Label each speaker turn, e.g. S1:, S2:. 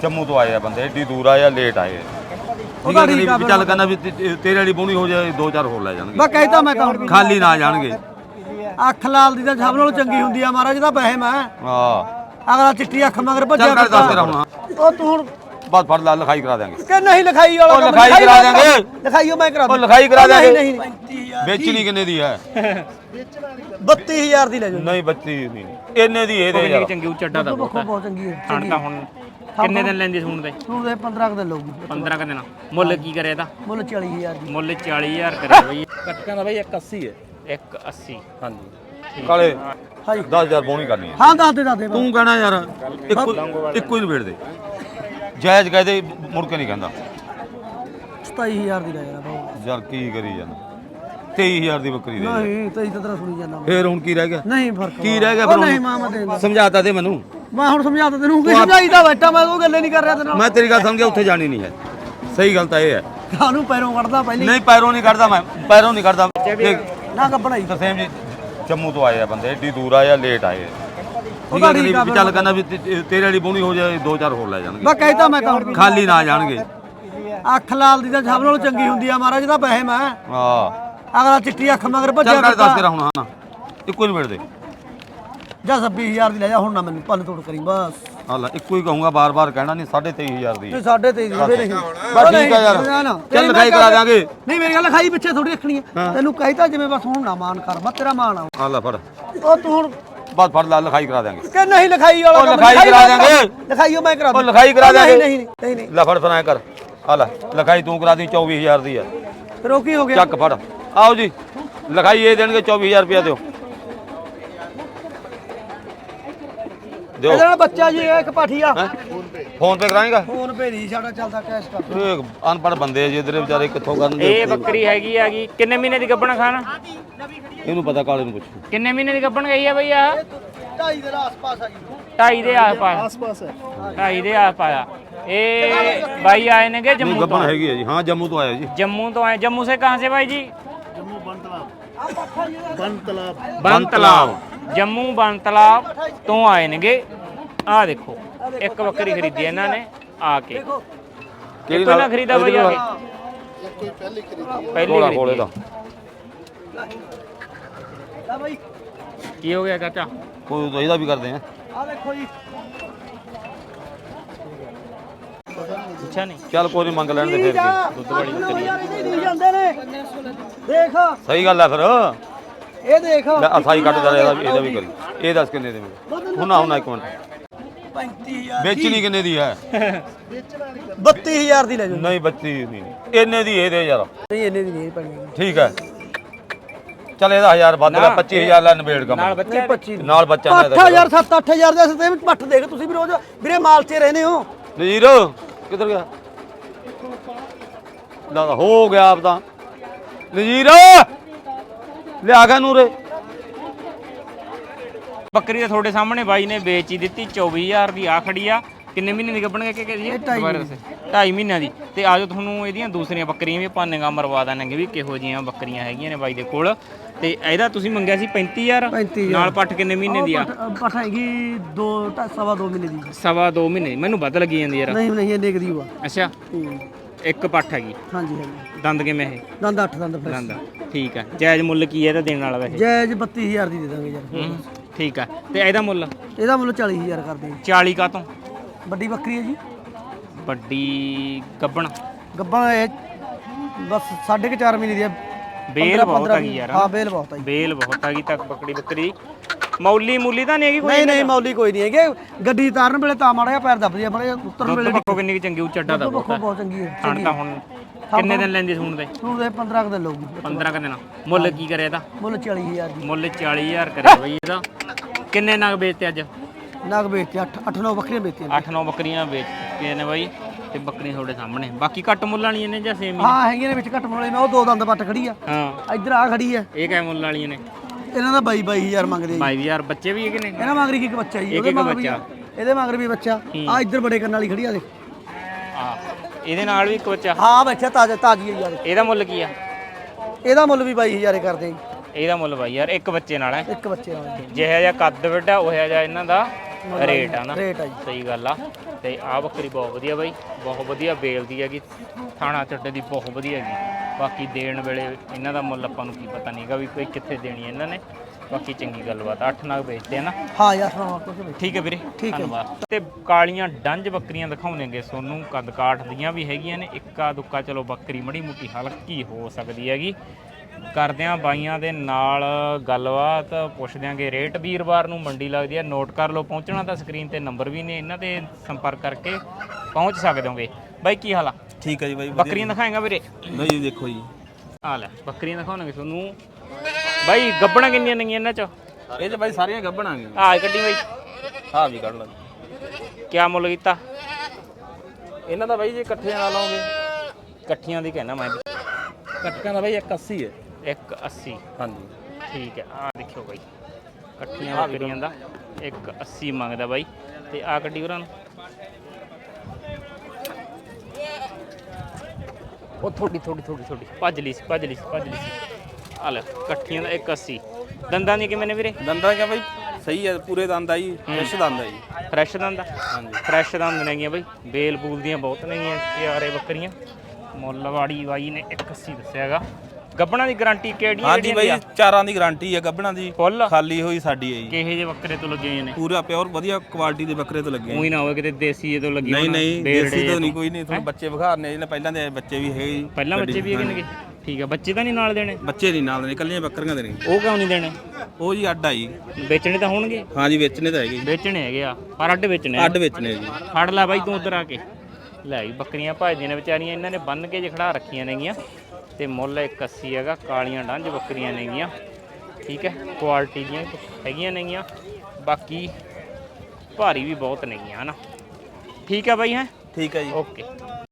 S1: जम्मू तो आए बंदे, एडी दूर आए लेट आए। चल कहना भी तेरे वाली बोनी हो जाए, 2-4 होर ले जाएंगे।
S2: मैं कहता मैं कौन
S1: खाली ना जाएंगे।
S2: ਅੱਖ ਲਾਲ ਦੀ ਤਾਂ ਸਭ ਨਾਲੋਂ ਚੰਗੀ ਹੁੰਦੀ ਆ ਮਹਾਰਾਜ ਦਾ ਵਹਿਮ ਹੈ।
S1: ਹਾਂ
S2: ਅਗਲਾ ਚਿੱਟੀ ਅੱਖ ਮਗਰ ਭੱਜਿਆ
S1: ਚੱਲ ਕਰ ਦੱਸ ਤੇਰਾ ਹੁਣ।
S2: ਉਹ ਤੂੰ ਹੁਣ
S1: ਬਸ ਫੜ ਲਾ, ਲਿਖਾਈ ਕਰਾ ਦੇਾਂਗੇ
S2: ਕਿ ਨਹੀਂ ਲਿਖਾਈ ਵਾਲਾ
S1: ਉਹ ਲਿਖਾਈ ਕਰਾ ਦੇਾਂਗੇ।
S2: ਲਿਖਾਈਓ ਮੈਂ ਕਰਾ
S1: ਉਹ ਲਿਖਾਈ ਕਰਾ ਦੇਾਂਗੇ।
S2: ਨਹੀਂ ਨਹੀਂ
S1: ਵੇਚਣੀ ਕਿੰਨੇ ਦੀ ਹੈ?
S2: 32000 ਦੀ ਲੈ ਜਾਓ।
S1: ਨਹੀਂ 32 ਨਹੀਂ, ਇੰਨੇ ਦੀ ਇਹ ਦੇ ਯਾਰ।
S3: ਚੰਗੀ ਉੱਚਾ ਦਾ
S2: ਬਹੁਤ ਚੰਗੀ ਹੈ।
S3: ਠੰਡ ਤਾਂ ਹੁਣ ਕਿੰਨੇ ਦਿਨ ਲੈਂਦੀ ਸੂਣ ਦੇ?
S2: ਸੂਣ ਦੇ 15 ਦਿਨ ਲਊਗੀ।
S3: 15 ਕ ਦਿਨ। ਮੁੱਲ ਕੀ ਕਰਿਆ ਇਹਦਾ?
S2: ਮੁੱਲ 40000 ਦੀ।
S3: ਮੁੱਲ 40000 ਕਰਿਆ ਬਈ।
S4: ਕੱਟਕਾਂ ਦਾ ਬਾਈ 180 ਹੈ।
S3: 180
S4: ਹਾਂਜੀ
S1: ਕਾਲੇ
S2: ਹਾਂਜੀ
S1: 10000 ਬੋਣੀ ਕਰਨੀ ਹੈ।
S2: ਹਾਂ ਦੱਸ ਦੇ
S1: ਤੂੰ ਕਹਿਣਾ ਯਾਰ ਇੱਕੋ ਹੀ ਨਿਬੇੜ ਦੇ, ਜਾਇਜ਼ ਕਹਦੇ ਮੁੜ ਕੇ ਨਹੀਂ ਕਹਿੰਦਾ।
S2: 27000 ਦੀ ਲੈ ਜਾਣਾ ਬਾਬੂ।
S1: ਯਾਰ ਕੀ ਕਰੀ ਜਾਂਦਾ, 23000 ਦੀ ਬੱਕਰੀ ਦੇ।
S2: ਨਹੀਂ ਤੇਰੀ ਤਾਂ ਤੇਰਾ ਸੁਣੀ ਜਾਂਦਾ।
S1: ਫੇਰ ਹੁਣ ਕੀ ਰਹਿ ਗਿਆ?
S2: ਨਹੀਂ ਫਰਕ
S1: ਕੀ ਰਹਿ ਗਿਆ
S2: ਉਹ
S1: ਫਿਰ?
S2: ਨਹੀਂ ਮਾਮਾ ਦੇ
S1: ਸਮਝਾਤਾ ਦੇ ਮੈਨੂੰ।
S2: ਮੈਂ ਹੁਣ ਸਮਝਾਤਾ ਤੈਨੂੰ ਕਿ ਸਮਝਾਈਦਾ ਬੈਠਾ ਮੈਂ ਉਹ ਗੱਲੇ ਨਹੀਂ ਕਰ ਰਿਹਾ ਤੇਰੇ ਨਾਲ।
S1: ਮੈਂ ਤੇਰੀ ਗੱਲ ਸਮਝ ਗਿਆ, ਉੱਥੇ ਜਾਣੀ ਨਹੀਂ ਹੈ। ਸਹੀ ਗੱਲ ਤਾਂ ਇਹ ਹੈ।
S2: ਕਾਹਨੂੰ ਪੈਰੋਂ ਕੱਢਦਾ ਪਹਿਲੀ
S1: ਨਹੀਂ ਪੈਰੋਂ ਨਹੀਂ ਕੱਢਦਾ, ਮੈਂ ਪੈਰੋਂ ਨਹੀਂ ਕੱਢਦਾ।
S2: ਨਾ ਗੱਬਣਾ ਹੀ
S1: ਤਰਸੇਮ ਜੀ ਜੰਮੂ ਤੋਂ ਆਏ ਬੰਦੇ, ਏਡੀ ਦੂਰ ਆਏ ਲੇਟ ਆਏ।
S2: ਉਹਦਾ ਠੀਕ ਆ।
S1: ਚੱਲ ਕਹਿੰਦਾ ਵੀ ਤੇਰੇ ਵਾਲੀ ਬੋਣੀ ਹੋ ਜਾਏ, 2-4 ਹੋਰ ਲੈ ਜਾਣਗੇ।
S2: ਮੈਂ ਕਹਿਤਾ ਮੈਂ ਕੌਣ
S1: ਖਾਲੀ ਨਾ ਜਾਣਗੇ।
S2: ਅੱਖ ਲਾਲ ਦੀ ਤਾਂ ਸਭ ਨਾਲੋਂ ਚੰਗੀ ਹੁੰਦੀ ਆ ਮਹਾਰਾਜ ਦਾ ਵਹਿਮ ਹੈ।
S1: ਹਾਂ
S2: ਅਗਲਾ ਚਿੱਟੀ ਅੱਖ ਮਗਰ ਭੱਜਿਆ
S1: ਚੱਲ ਕਰ ਦੱਸ ਤੇਰਾ ਹੁਣ। ਹਾਂ ਇੱਕੋ ਹੀ ਨਿਬੇੜ ਦੇ।
S2: ਜਾਂ 26000 ਦੀ ਲੈ ਜਾ ਹੁਣ ਨਾ ਮੈਨੂੰ ਭੰਨ ਤੋੜ ਕਰੀ ਬਸ।
S1: ਹਾਲਾ ਇੱਕੋ ਹੀ ਕਹੂੰਗਾ, ਬਾਰ-ਬਾਰ ਕਹਿਣਾ ਨਹੀਂ। 23500 ਦੀ
S2: ਨਹੀਂ 23.5 ਦੀ ਨਹੀਂ
S1: ਬਸ ਠੀਕ ਆ ਯਾਰ। ਚੱਲ ਲਿਖਾਈ ਕਰਾ ਦਿਆਂਗੇ।
S2: ਨਹੀਂ ਮੇਰੀ ਗੱਲ ਲਿਖਾਈ ਪਿੱਛੇ ਥੋੜੀ ਰੱਖਣੀ ਹੈ। ਤੈਨੂੰ ਕਹਿਤਾ ਜਿਵੇਂ ਬਸ ਹੁਣ ਨਾ ਮਾਨ ਕਰ, ਬਸ ਤੇਰਾ ਮਾਨ ਆ।
S1: ਹਾਲਾ ਫੜ
S2: ਉਹ ਤੂੰ ਹੁਣ
S1: ਬਸ ਫੜ ਲਾ, ਲਿਖਾਈ ਕਰਾ ਦਿਆਂਗੇ।
S2: ਕਿ ਨਹੀਂ ਲਿਖਾਈ ਵਾਲਾ
S1: ਉਹ ਲਿਖਾਈ ਕਰਾ ਦਿਆਂਗੇ।
S2: ਲਿਖਾਈਓ ਮੈਂ ਕਰਾ
S1: ਉਹ ਲਿਖਾਈ ਕਰਾ ਦਿਆਂਗੇ।
S2: ਨਹੀਂ ਨਹੀਂ
S1: ਲੈ ਫੜ ਫਿਰ ਐਂ ਕਰ, ਹਾਲਾ ਲਿਖਾਈ ਤੂੰ ਕਰਾ ਦੀ 24000 ਦੀ ਹੈ।
S2: ਫਿਰ ਉਹ ਕੀ ਹੋ ਗਿਆ?
S1: ਚੱਕ ਫੜ। ਆਓ ਜੀ ਲਿਖਾਈ ਇਹ ਦੇਣਗੇ 24000 ਰੁਪਇਆ ਦਿਓ। ਦਿਓ
S2: ਇਹਦਾ ਬੱਚਾ ਜੀ ਇੱਕ ਪਾਠੀਆ
S1: ਫੋਨ ਪੇ ਕਰਾਏਗਾ।
S2: ਫੋਨ ਪੇ ਨਹੀਂ ਸਾਡਾ ਚੱਲਦਾ ਕੈਸ਼ ਕਰ।
S1: ਇਹ ਅਨਪੜ੍ਹ ਬੰਦੇ ਆ ਜੀ ਇਧਰੇ ਵਿਚਾਰੇ ਕਿੱਥੋਂ ਕਰਨਗੇ।
S3: ਇਹ ਬੱਕਰੀ ਹੈਗੀ ਆਗੀ ਕਿੰਨੇ ਮਹੀਨੇ ਦੀ ਗੱਭਣ ਖਾਣਾ?
S1: ਇਹਨੂੰ ਪਤਾ, ਕਾਲੇ ਨੂੰ ਪੁੱਛੋ।
S3: ਕਿੰਨੇ ਮਹੀਨੇ ਦੀ ਗੱਭਣ ਗਈ ਆ ਬਈ ਆ?
S2: 2.5 ਦੇ ਆਸ-ਪਾਸ ਆ ਜੀ।
S3: 2.5 ਦੇ ਆਸ-ਪਾਸ ਹੈ। 2.5 ਦੇ ਆਸ-ਪਾਸ ਆ। ਇਹ ਬਾਈ ਆਏ ਨੇਗੇ ਜੰਮੂ ਤੋਂ।
S1: ਗੱਬਣ ਹੈਗੀ ਹੈ ਜੀ। ਹਾਂ ਜੰਮੂ ਤੋਂ ਆਇਆ ਜੀ।
S3: जम्मू तो आए। जम्मू से कहाँ से भाई जी? बन तालाब। जम्मू बन तालाब तो आए नेगे। आ देखो एक बकरी खरीदी है इन्होंने आके।
S1: ਕਿਹੜੀ
S3: कितना खरीदा भाई आके? पहली
S1: ਕੋਲੇ
S3: खरीदी
S1: ਦਾ
S2: ਲੈ ਬਾਈ
S3: की हो गया चाचा?
S1: ਕੋਈ ਤਾਂ ਇਹਦਾ ਵੀ ਕਰਦੇ ਆ।
S2: ਆ ਦੇਖੋ ਜੀ।
S3: अच्छा नहीं
S1: ਚੱਲ ਕੋਈ ਨਹੀਂ, ਮੰਗ ਲੈਣ ਦੇ ਫਿਰ ਕੀ।
S3: दुध बड़ी बकरी है।
S2: ਨਹੀਂ ਜਾਂਦੇ ਨੇ ਦੇਖ
S1: ਸਹੀ ਗੱਲ ਹੈ ਫਿਰ।
S2: ਇਹ ਦੇਖ
S1: ਲੈ ਅਸਾਈ ਕੱਟ ਜਾ ਇਹਦਾ ਵੀ ਕਰੀ। ਇਹ ਦੱਸ ਕਿੰਨੇ ਦੇ ਮਿਲੇ? ਹੁਣ ਇੱਕ ਮਿੰਟ,
S2: 35000
S1: ਵੇਚਣੀ ਕਿੰਨੇ ਦੀ ਹੈ?
S2: 32000 ਦੀ ਲੈ ਜਾਓ।
S1: ਨਹੀਂ 32 ਨਹੀਂ, ਇੰਨੇ ਦੀ ਇਹ ਦੇ ਯਾਰ।
S2: ਨਹੀਂ ਇੰਨੇ ਦੀ ਨਹੀਂ ਪੈਣੀ।
S1: ਠੀਕ ਹੈ ਚੱਲ ਇਹਦਾ 1000 ਵੱਧ ਲੈ, 25000 ਲੈ ਨਿਬੇੜ ਕੰਮ।
S3: नाल बच्चे
S2: 25
S1: ਨਾਲ ਬੱਚਾ ਨਾ
S2: 8000 7-8000 ਦੇ ਸਤੇ ਵਿੱਚ ਪੱਠ ਦੇਖ ਤੁਸੀਂ ਵੀ ਰੋਜ਼ ਵੀਰੇ ਮਾਲ 'ਚ ਰਹਿੰਦੇ ਹੋ।
S1: ਨਜ਼ੀਰ ਕਿੱਧਰ ਗਿਆ? ਲਾ ਹੋ ਗਿਆ ਆਪ ਤਾਂ। ਨਜ਼ੀਰ ਲਿਆ ਗਿਆ ਨੂਰੇ।
S3: ਬੱਕਰੀ ਤਾਂ ਤੁਹਾਡੇ ਸਾਹਮਣੇ ਬਾਈ ਨੇ ਵੇਚ ਹੀ ਦਿੱਤੀ 24000 ਦੀ। ਆ ਖੜੀ ਆ। ਕਿੰਨੇ ਮਹੀਨੇ ਦੀ ਗੱਭਣ ਕਿ ਜੀ? 2.5 ਮਹੀਨਿਆਂ ਦੀ। ਤੇ ਆਜੋ ਤੁਹਾਨੂੰ ਇਹਦੀਆਂ ਦੂਸਰੀਆਂ ਬੱਕਰੀਆਂ ਵੀ ਆਪਾਂ ਨਿਗਾਹ ਮਰਵਾ ਦਾਂਗੇ ਵੀ ਕਿਹੋ ਜਿਹੀਆਂ ਬੱਕਰੀਆਂ ਹੈਗੀਆਂ ਨੇ ਬਾਈ ਦੇ ਕੋਲ। ਤੇ ਇਹਦਾ ਤੁਸੀਂ ਮੰਗਿਆ ਸੀ 35000 ਨਾਲ। ਪੱਠ ਕਿੰਨੇ ਮਹੀਨੇ ਦੀ ਆ?
S2: ਪੱਠ ਹੈਗੀ 2.5 ਮਹੀਨੇ ਦੀ।
S3: 2.5 ਮਹੀਨੇ। ਮੈਨੂੰ ਵੱਧ ਲੱਗੀ ਜਾਂਦੀ ਯਾਰ।
S2: ਨਹੀਂ ਨਹੀਂ ਇੰਨੇ ਕਦੀ ਹੋਆ।
S3: ਅੱਛਾ ਇੱਕ ਪੱਠ ਹੈਗੀ।
S2: ਹਾਂਜੀ ਹਾਂਜੀ
S3: ਦੰਦ ਕਿਵੇਂ ਇਹ?
S2: ਦੰਦ 8 ਦੰਦ ਫਿਰ
S3: ਦੰਦ ਠੀਕ ਆ। ਜਾਇਜ਼ ਮੁੱਲ ਕੀ ਹੈ ਇਹਦਾ ਦੇਣ ਵਾਲਾ ਵੈਸੇ?
S2: ਜਾਇਜ਼ 32000 ਦੀ ਦੇ ਦਾਂਗੇ ਯਾਰ।
S3: ਠੀਕ ਆ। ਤੇ ਇਹਦਾ ਮੁੱਲ?
S2: ਇਹਦਾ ਮੁੱਲ 40000 ਕਰਦੇ।
S3: 40 ਕਾ ਤੋਂ?
S2: ਵੱਡੀ ਬੱਕਰੀ ਹੈ ਜੀ।
S3: ਵੱਡੀ ਗੱਬਣ
S2: ਗੱਬਾਂ ਇਹ ਬਸ 4.5 ਮਹੀਨੇ ਦੀ ਹੈ।
S3: ਬੇਲ ਬਹੁਤ ਹੈਗੀ ਯਾਰ।
S2: ਹਾਂ ਬੇਲ ਬਹੁਤ ਹੈ।
S3: ਬੇਲ ਬਹੁਤ ਹੈਗੀ ਤੱਕ ਬੱਕਰੀ ਬੱਕਰੀ। ਮੌਲੀ ਤਾਂ ਨਹੀਂ ਹੈਗੀ ਕੋਈ?
S2: ਨਹੀਂ ਨਹੀਂ ਮੌਲੀ ਕੋਈ ਨਹੀਂ ਹੈਗੇ। ਗੱਡੀ ਤਾਰਨ ਵੇਲੇ ਤਾਂ ਮਾੜਾ ਜਿਹਾ ਪੈਰ ਦੱਬਦੀ ਆ, ਮਾੜਾ ਉਤਰਨ ਵੇਲੇ
S3: ਪੱਕੋ ਕਿੰਨੀ ਚੰਗੀ ਉੱਚਾ ਦਾ
S2: ਬਹੁਤ ਚੰਗੀ ਹੈ।
S3: ਠੰਡ ਤਾਂ ਹੁਣ ਕਿੰਨੇ ਦਿਨ ਲੈਂਦੀ ਸੂਣ ਦੇ?
S2: ਹੁਣ ਦੇ 15 ਦਿਨ ਲਊਗੀ।
S3: 15 ਦਿਨ। ਮੁੱਲ ਕੀ ਕਰਿਆ ਇਹਦਾ?
S2: ਮੁੱਲ 40000 ਦੀ।
S3: ਮੁੱਲ 40000 ਕਰਿਆ ਬਈ ਇਹਦਾ। ਕਿੰਨੇ ਨਗ ਵੇਚਤੇ ਅੱਜ?
S2: ਨਗ ਵੇਚਤੇ 8-9 ਬੱਕਰੀਆਂ ਵੇਚਤੀਆਂ।
S3: 8-9 ਬੱਕਰੀਆਂ ਵੇਚਤੀਆਂ ਨੇ ਬਾਈ। ਤੇ ਬੱਕਰੀਆਂ ਤੁਹਾਡੇ ਸਾਹਮਣੇ। ਬਾਕੀ ਘੱਟ ਮੁੱਲ ਵਾਲੀਆਂ ਨੇ ਜਾਂ ਸੇਮ ਹੀ?
S2: ਹਾਂ ਹੈਗੀਆਂ ਨੇ ਵਿੱਚ ਘੱਟ ਮੁੱਲ ਵਾਲੀ। ਮੈਂ ਉਹ 2 ਦੰਦ ਪੱਟ ਖੜੀ ਆ।
S3: ਹਾਂ
S2: ਇੱਧਰ ਆ ਖੜੀ ਆ।
S3: ਇਹ ਕਿਵੇਂ ਮੁੱਲ ਵਾਲੀਆਂ ਨੇ?
S2: ਇਹਨਾਂ ਦਾ 22,000 ਮੰਗਦੇ ਆ।
S3: 22000 ਬੱਚੇ ਵੀ ਹੈਗੇ ਨੇ?
S2: ਇਹਨਾਂ ਮਗਰ ਇੱਕ ਬੱਚਾ ਜੀ।
S3: ਇੱਕ ਬੱਚਾ।
S2: ਇਹਦੇ ਮਗਰ ਵੀ ਬੱਚਾ। ਆ ਇੱਧਰ ਬੜੇ ਕੰਨ ਵਾਲੀ ਖੜੀ ਆ ਦੇ।
S3: ਆ ਇਹਦੇ ਨਾਲ ਵੀ ਇੱਕ ਬੱਚਾ।
S2: ਹਾਂ ਬੱਚਾ ਤਾਜੀ ਹੈ ਯਾਰ।
S3: ਇਹਦਾ ਮੁੱਲ ਕੀ ਆ?
S2: ਇਹਦਾ ਮੁੱਲ ਵੀ 22,000 ਕਰਦੇ ਆ ਜੀ।
S3: ਇਹਦਾ ਮੁੱਲ ਬਾਈ ਯਾਰ ਇੱਕ ਬੱਚੇ ਨਾਲ ਹੈ।
S2: ਇੱਕ ਬੱਚੇ ਨਾਲ।
S3: ਜਿਹੜਾ ਜਿਹਾ ਕੱਦ ਵੱਡਾ ਉਹ ਜਿਹਾ ਇਹਨਾਂ ਦਾ ਰੇਟ ਆ ਨਾ
S2: ਰੇਟ ਆ ਜੀ।
S3: ਸਹੀ ਗੱਲ ਆ। ਤੇ ਆ ਬੱਕਰੀ ਬਹੁਤ ਵਧੀਆ ਬਾਈ, ਬਹੁਤ ਵਧੀਆ ਬੇਲ ਦੀ ਹੈਗੀ, ਥਾਣਾ ਚੱਟੇ ਦੀ ਬਹੁਤ ਵਧੀਆ ਹੈਗੀ। ਬਾਕੀ ਦੇਣ ਵੇਲੇ ਇਹਨਾਂ ਦਾ ਮੁੱਲ ਆਪਾਂ ਨੂੰ ਕੀ ਪਤਾ ਨਹੀਂਗਾ ਵੀ ਕੋਈ ਕਿੱਥੇ ਦੇਣੀ ਹੈ ਇਹਨਾਂ ਨੇ। ਬਾਕੀ ਚੰਗੀ ਗੱਲਬਾਤ, 8 ਨਗ ਵੇਚਦੇ ਆ ਨਾ।
S2: ਹਾਂ ਯਾਰ ਸੁਣਾਓ ਕੁਝ ਵੀ।
S3: ਠੀਕ ਹੈ ਵੀਰੇ,
S2: ਠੀਕ ਹੈ।
S3: ਧੰਨਵਾਦ। ਤੇ ਕਾਲੀਆਂ ਡੰਜ ਬੱਕਰੀਆਂ ਦਿਖਾਉਣਗੇ ਸੋਨੂੰ, ਕੱਦ ਕਾਠ ਦੀਆਂ ਵੀ ਹੈਗੀਆਂ ਨੇ। ਇੱਕਾ ਦੁੱਕਾ ਚਲੋ ਬੱਕਰੀ ਮੜੀ ਮੁੱਟੀ ਹਲਕੀ ਹੋ ਸਕਦੀ ਹੈਗੀ। ਕਰਦੇ ਆਂ ਬਾਈਆਂ ਦੇ ਨਾਲ ਗੱਲਬਾਤ, ਪੁੱਛ ਦਿਆਂਗੇ ਰੇਟ। ਵੀਰਵਾਰ ਨੂੰ ਮੰਡੀ ਲੱਗਦੀ ਹੈ, ਨੋਟ ਕਰ ਲਓ। ਪਹੁੰਚਣਾ ਤਾਂ ਸਕਰੀਨ ਤੇ ਨੰਬਰ ਵੀ ਨੇ, ਇਹਨਾਂ ਤੇ ਸੰਪਰਕ ਕਰਕੇ ਪਹੁੰਚ ਸਕਦੇ ਹੋਗੇ। ਬਾਈ ਕੀ ਹਾਲ ਆ?
S4: ਠੀਕ ਹੈ ਜੀ ਬਾਈ।
S3: ਬੱਕਰੀਆਂ ਦਿਖਾਏਗਾ ਵੀਰੇ?
S4: ਨਹੀਂ ਦੇਖੋ ਜੀ,
S3: ਆ ਲੈ ਬੱਕਰੀਆਂ ਦਿਖਾਉਣਗੇ ਤੁਹਾਨੂੰ ਬਾਈ। ਗੱਬਣਾ ਕਿੰਨੀਆਂ ਨੇਗੀਆਂ ਇਹਨਾਂ ਚ?
S4: ਇਹ ਚ ਬਾਈ ਸਾਰੀਆਂ ਗੱਭਣਾਂਗੇ।
S3: ਆ ਕੱਢੀ ਬਾਈ,
S4: ਹਾਂ ਵੀ ਕੱਢ ਲਾਂ।
S3: ਕਿਆ ਮੁੱਲ ਕੀਤਾ
S4: ਇਹਨਾਂ ਦਾ ਬਾਈ ਜੇ ਇਕੱਠੇ ਨਾਲ ਲਾਓਗੇ,
S3: ਇਕੱਠੀਆਂ ਦੀ ਕਹਿਣਾ ਮੈਂ?
S4: ਕੱਟਕਾਂ ਦਾ ਬਾਈ 180 ਹੈ।
S3: 180।
S4: ਹਾਂਜੀ
S3: ਠੀਕ ਹੈ। ਆ ਦੇਖਿਓ ਬਾਈ, ਇਕੱਠੀਆਂ ਬੱਕਰੀਆਂ ਦਾ 180 ਮੰਗਦਾ ਬਾਈ। ਤੇ ਆ ਕੱਢੀ ਉਹਨਾਂ ਨੂੰ ਉਹ ਥੋੜੀ ਭੱਜ ਲਈ ਸੀ। ਆ ਲੈ ਇਕੱਠੀਆਂ ਦਾ 180। ਦੰਦਾਂ ਦੀ ਕਿਵੇਂ ਨੇ ਵੀਰੇ?
S4: ਦੰਦਾਂ ਕਿਆ ਬਾਈ ਸਹੀ ਹੈ, ਪੂਰੇ ਦੰਦ ਆ ਜੀ, ਫਰੈਸ਼ ਦੰਦ ਆ ਜੀ।
S3: ਫਰੈਸ਼ ਦੰਦ ਆ?
S4: ਹਾਂਜੀ
S3: ਫਰੈਸ਼ ਦੰਦ ਨੇਗੀਆਂ ਬਾਈ, ਬੇਲ ਬੂਲ ਦੀਆਂ ਬਹੁਤ ਨੇਗੀਆਂ ਪਿਆਰੇ ਬੱਕਰੀਆਂ। ਮੁੱਲਵਾੜੀ ਬਾਈ ਨੇ 180 ਦੱਸਿਆ ਹੈਗਾ। ਗੱਬਣਾ ਦੀ ਗਾਰੰਟੀ ਕਿਹੜੀ?
S4: ਹਾਂਜੀ ਬਾਈ, ਚਾਰਾਂ ਦੀ ਗਾਰੰਟੀ ਹੈ ਗੱਭਣਾਂ ਦੀ,
S3: ਫੁੱਲ
S4: ਖਾਲੀ ਹੋਈ ਸਾਡੀ ਹੈ ਜੀ।
S3: ਕਿਹੇ ਜੇ ਬੱਕਰੇ ਤੋਂ ਲੱਗੇ ਹੋਏ ਨੇ?
S4: ਪੂਰਾ ਪਿਓਰ ਵਧੀਆ ਕੁਆਲਿਟੀ ਦੇ ਬੱਕਰੇ ਤੋਂ ਲੱਗੇ।
S3: ਉਹੀ ਨਾ ਹੋਵੇ ਕਿਤੇ ਦੇਸੀ ਤੋਂ ਲੱਗੀ
S4: ਨਹੀਂ
S3: ਹੋਣ,
S4: ਨਹੀਂ
S3: ਡੇਢ
S4: ਦੇਸੀ
S3: ਡੇ
S4: ਤੋਂ ਨਹੀਂ, ਕੋਈ ਨਹੀਂ। ਤੁਹਾਨੂੰ ਬੱਚੇ ਵਿਖਾਰਨੇ ਜਿਹਨੇ ਪਹਿਲਾਂ ਦੇ ਬੱਚੇ ਵੀ ਹੈਗੇ ਜੀ।
S3: ਪਹਿਲਾਂ ਬੱਚੇ ਵੀ ਹੈਗੇ ਨੇਗੇ? ਠੀਕ ਆ। ਬੱਚੇ ਤਾਂ ਨਹੀਂ ਨਾਲ ਦੇਣੇ?
S4: ਬੱਚੇ ਨਹੀਂ ਨਾਲ ਦੇ, ਇਕੱਲੀਆਂ ਬੱਕਰੀਆਂ ਦੇ ਨੇ।
S3: ਉਹ ਕਿਉਂ ਨਹੀਂ ਦੇਣੇ?
S4: ਉਹ ਜੀ ਅੱਡ ਆ ਜੀ।
S3: ਵੇਚਣੇ ਤਾਂ ਹੋਣਗੇ?
S4: ਹਾਂਜੀ ਵੇਚਣੇ ਤਾਂ ਹੈਗੇ ਜੀ।
S3: ਵੇਚਣੇ ਹੈਗੇ ਆ, ਪਰ ਅੱਡ ਵੇਚਣੇ ਆ।
S4: ਅੱਡ ਵੇਚਣੇ ਜੀ।
S3: ਫੜ ਲੈ ਬਾਈ ਤੂੰ ਉਧਰ ਆ ਕੇ ਲੈ ਜੀ। ਬੱਕਰੀਆਂ ਭਜਦੀਆਂ ਨੇ ਵਿਚਾਰੀਆਂ, ਇਹਨਾਂ ਨੇ ਬੰਨ ਕੇ ਜੇ ਖੜਾ ਰੱਖੀਆਂ ਨੇਗੀਆਂ। ਤੇ ਮੁੱਲ 180 ਹੈਗਾ। ਕਾਲੀਆਂ ਡੰਜ ਬੱਕਰੀਆਂ ਨੇਗੀਆਂ, ਠੀਕ ਹੈ। ਕੁਆਲਿਟੀ ਦੀਆਂ ਹੈਗੀਆਂ ਨੇਗੀਆਂ, ਬਾਕੀ ਭਾਰੀ ਵੀ ਬਹੁਤ ਨੇਗੀਆਂ ਹਨਾ। ਠੀਕ ਹੈ ਬਾਈ, ਹੈ
S4: ਠੀਕ ਹੈ ਜੀ।
S3: ਓਕੇ।